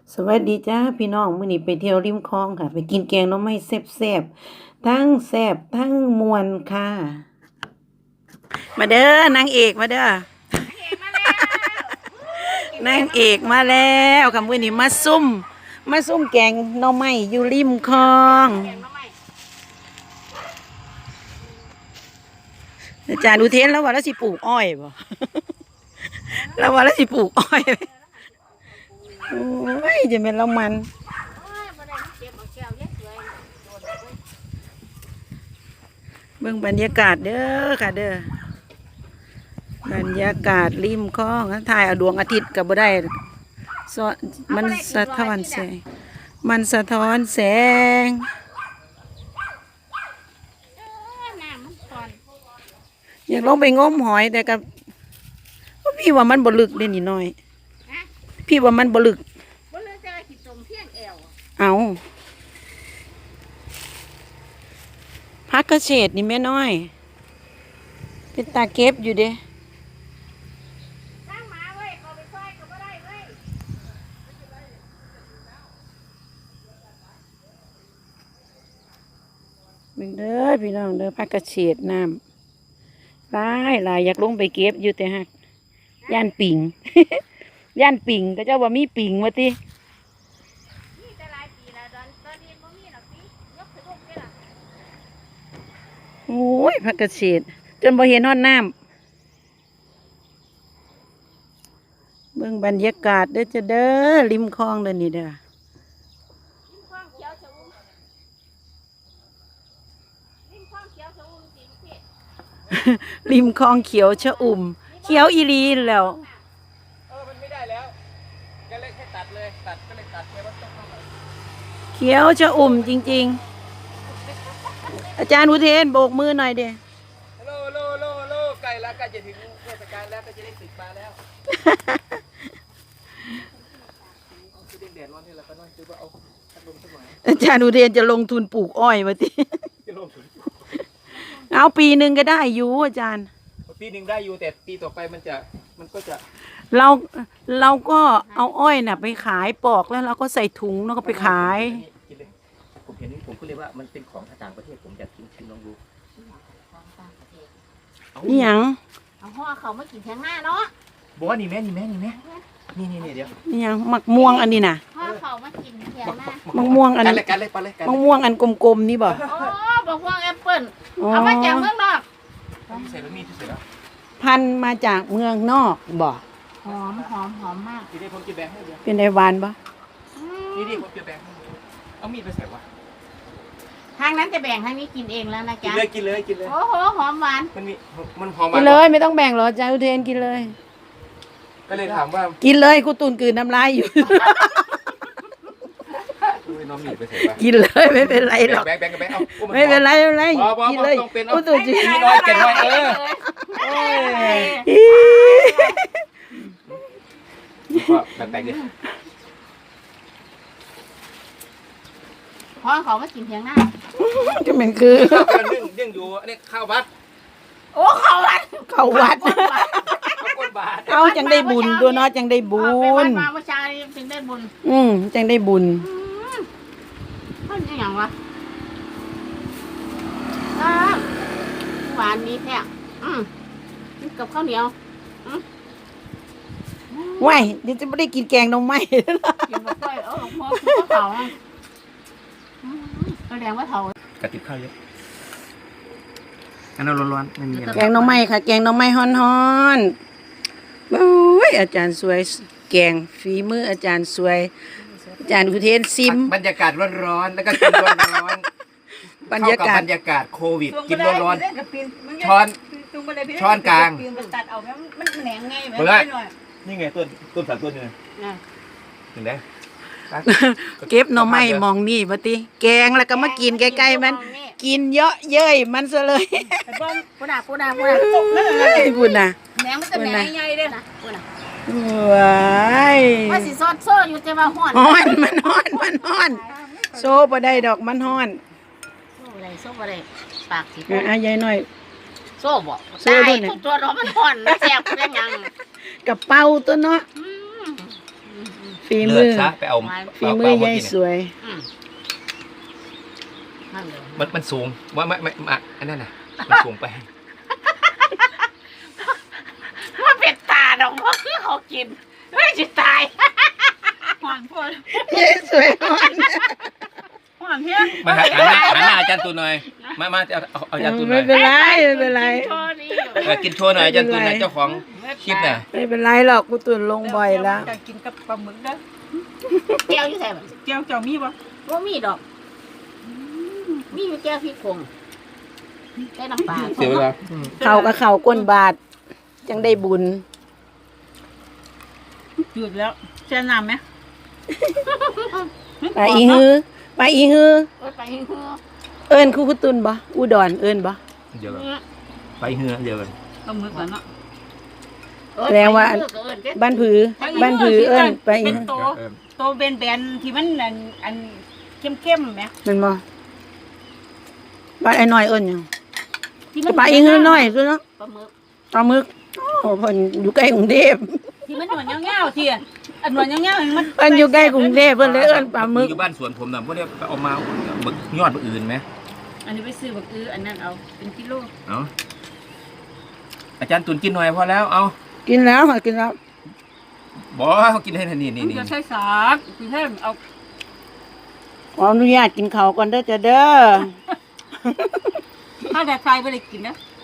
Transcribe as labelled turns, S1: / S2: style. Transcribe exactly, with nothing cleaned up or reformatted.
S1: สวัสดีจ้าพี่น้องมื้อนี้ไปเที่ยวริมคลองค่ะไปกินแกงหน่อไม้แซ่บๆทั้งแซ่บทั้งม่วนค่ะมาเด้อนางเอกมาเด้อนางเอกมาแล้วค่ะมื้อนี้มาซุ่มมาซุ่มแกงหน่อไม้อยู่ริมคลองอาจารย์อุเทนแล้วว่าแล้วสิปลูกอ้อยบ่แล้วว่าแล้วสิปลูกอ้อยโอ้ยจะเป็นเรามันเบิ่งบรรยากาศเด้อค่ะเด้อบรรยากาศริมคลองถ่ายเอาดวงอาทิตย์ก็บ่ได้สะมันสะท้อนแสงมันสะท้อนแสงอยากลงไปงมหอยแต่กับพี่ว่ามันบ่ลึกเด้นี่น้อยพี่ว่ามันบ่ลึกเอาพักกระเฉดนี่แม่น้อยเป็นตาเก็บอยู่เด้เบิ่งเด้อพี่น้องเด้อพักกระเฉดน้ำหลายหลายอยากลงไปเก็บอยู่แต่ฮักย่านปิ่ง ย่านปิ่งก็เจ้าว่ามีปิ่งว่าติโอ้ยพักกระเฉดจนบ่เห็นฮอดน้ำเบิ่งบรรยากาศเด้อจะเด้อริมคลองเด้อนี่เด้อริมคลองเขียวชะอุ่มเขียวอีรีแล้ว
S2: เออมันไม่ได้แล้วก็เลยแค่ตัดเลยตัดก็เลยตัดไปว่าต้องเข้าไป
S1: เขียวชะอุ่มจริงๆอาจารย์อุเทนโบกมือหน่อยเด้
S2: โลโลโลโลใกล้แล้วใกล้จะถึงเทศกาลแล้วก็จะได้ติดปลาแล้วเอาคือแดดร้อนนี่แหละก็น้อยคือว่าเอาพัดลมสักหน่อย
S1: อาจารย์อุเทนจะลงทุนปลูกอ้อยมาติ
S2: จะลงทุน
S1: เอาปีหนึ่งก็ได้อยู่อาจารย์
S2: ปีหนึ่งได้อยู่แต่ปีต่อไปมันจะมันก็จะ
S1: เราเราก็เอาอ้อยน่ะไปขายปอกแล้วเราก็ใส่ถุงแล้วก็ไปขาย
S2: กินเลยผมเห็นนี่ผมก็เลยว่ามันเป็นของต่างประเทศผมอยากกินชิมลองดู
S1: นี่ยัง
S3: เอาห่อเขามากินแทงหน้าเนาะ
S2: บอกว่านี่แม่นี่แม่นี่แม่นี่นี่นี่เดี๋ยว
S1: นี่ยังมักม่วงอันนี้น่ะ
S3: ห่อเขามากินแทงหน้า
S1: มักม่วงอัน
S2: กันเลยกันเลยไปเลย
S1: มักม่วงอันกลมๆนี่บ่
S3: โอ้บอกว่าแอปเปิ้ลเอามาจากเมืองนอก
S2: ใส่แล้วมีใส่แล้ว
S1: พันมาจากเมืองนอกบ่
S3: หอมหอมหอมมาก
S2: ทีนี้ผมจะแบ่งให้เดี๋ยว
S1: เป็นไดหวานบ่
S2: นี่นี่ผมจะแบ่งให้เอามีดไปใส่วะ
S3: ทางนั้นจะแบ่งทางนี้กินเองแล้วนะจ๊ะ
S2: กินเลยกินเลยกินเลย
S3: โอ้โหหอมหวาน
S2: มันมีมันหอม
S1: กินเลยไม่ต้องแบ่งหรอกอาจารย์อุเทนกินเลย
S2: ก็เลยถามว่า
S1: กินเลยกูตุนกืนน้ำลายอยู่
S2: น้องมีดไปใส่วะ
S1: กินเลยไม่เป็นไรหรอก
S2: แบ่งแบ่งกันไปเอา
S1: ไม่เป็นไรไม่เป็นไรกินเลยกูตุนกิน
S2: น้อยเก่งน้อยเออก็แบ่งๆดิ
S3: ห่อเขามากินแทงหน้า
S1: จะเป็นคือ
S2: นึ่งนึ่งอยู่นี่ข้าววัด
S3: โอ้ข้าววัด
S1: ข้าววัดเอาจังได้บุญตัวน้อยจังได้บุญ
S3: มาเมื่อเช้านี้จึงได้บุญ
S1: อืมจังได้บุญ
S3: มันยังไงวะหวานนี้แท้อืมกับข้าวเหนียว
S1: ว้ายเดี๋ยวจะไม่ได้กินแกงน้องไม้
S3: กินแบบเออหลวงพ่อคือข้าวเผาแสดงว่าเผาก
S2: ระติบข้าวเยอะอันนั้นร้อนๆไม่มีอะไร
S1: แกงน้องไม้ค่ะแกงน้องไม้ฮ้อนๆโอ้ยอาจารย์สวยแกงฝีมืออาจารย์สวยอาจารย์อุเทนซิม
S2: บรรยากาศร้อนๆแล้วก็กินร้อนๆบรรยากาศบรรยากาศโควิดกินร้อนๆช้อนช้อนกลางเปิดนี่ไงต้นต้นสามต้นเลยถึงได้
S1: เก็บหน่อไม้มองนี่บ่ติแกงแล้วก็มากินใกล้ๆมันกินเยอะเย้ยมันซะเลย
S3: พูดน่ะพูดน่ะพูดน่ะ
S1: พูดน่ะ
S3: แหนงมันจะแหนงใหญ่เด้อนะพูดน่ะ
S1: ว้าย
S3: ว่าสิซอดโซ่อยู่แต่ว่าฮ้อน
S1: ฮ้อนมันฮ้อนมันฮ้อนโซ่บ่ได้ดอกมันฮ้อน
S3: โซ่บ่ได้โซ่บ่ได้ปากสิ
S1: อ่ะยายน้อย
S3: โซ่บ่โซ่ด้วยนี่ตัวร้อนมันฮ้อนมันแซ่บเป็นหยัง
S1: กระเป๋าตัวเนาะฝี
S2: เลื
S1: มื
S2: อด
S1: อ
S2: ซะไปเอา
S1: ฝีมือยายสวย
S3: อืมนั่นเลย
S2: มันมันสูงว่าไม่ไม่ไม่อันนั้นน่ะมันสูงไป
S3: ว่าเป็นตาดอกว่าคือเขากินไม่จะตาย
S4: ห่อนพ่อย
S1: ายสวยอ่อน
S4: ห่อนเพี้ย
S2: มาหาหันหน้าหันหน้าอาจารย์ตูนหน่อยมามาเอาเอาเอาอาจารย์ตูนหน่
S1: ไม่
S2: อย
S1: เป็นไรไม่เป็นไร
S3: โชว์นี่
S2: เออกินโชว์หน่อยอาจารย์ตูนหน่อยเจ้าของคลิปน่ะ
S1: ไม่เป็นไรหรอกกูตื่นลงบ่อยแล้ว
S4: จะกินกับปลาหมึกเด้อ
S3: แก้วอยู่ใส่บ่
S4: เจียวเจ้ามีบ่
S3: ว่ามีดอกมีอยู่แก้วพริกผงได้น้ำปลา
S2: เสียเวลา
S1: เขากับเขาก้นบาทจังได้บุญ
S4: หยุดแล้วแช่น้ำไหม
S1: ไปอีฮือไปอีฮือ
S3: โอ้ยไปให้เฮือ
S1: เอิ้นครูพุตุนบ่อุดรเอิ้นบ่
S2: เดี๋ยวก่อนไปเหือเดี๋ยวกัน
S4: ปลาหมึกแล้วเนาะ
S3: เอ้ย
S1: แปลว่า
S3: ไปเฮือก็เอิ้นเด้
S1: บ้านผือบ้านผือเอิ้นไปอี
S4: เป็น
S1: ฮือ
S4: โตโตเบนแบนๆที่มันอันอันเข้มๆไหม
S1: แมันบ่บ้านไอ้น้อยเอิ้นหยัง
S4: ที่มัน
S1: ไปอีฮือน้อยซุเนาะ
S3: ปลาหมึก
S1: ปลาหมึกโอ้เพิ่นอยู่ใกล้กรุงเทพ
S4: ที่มันหนวดเงาๆที่อะอันหนวดเงาๆมัน
S1: เพิ่นอยู่ใกล้กรุงเทพเพิ่นเลยเอิ้นปลาหมึก
S2: อยู่บ้านสวนผมน่ะพวกเนี้ยเอามาบึกยอดบึกอื่นไหม
S4: อันนี้ไปซื้อบักอื้ออันนั้นเอาเป็นกิโล
S2: เอาอาจารย์ตูนกินหน่อยพอแล้วเอา
S1: กินแล้วค่ะกินแล้ว
S2: บอกเขากินให้ทันนี่นี่
S4: มัน
S2: นี่
S4: จะใช้สากคือให้เอา
S1: ขออนุญาตกินข้าวก่อนเด้อจ้ะเด้อ
S4: ถ้าแต่ใครไม่ได้กินนะ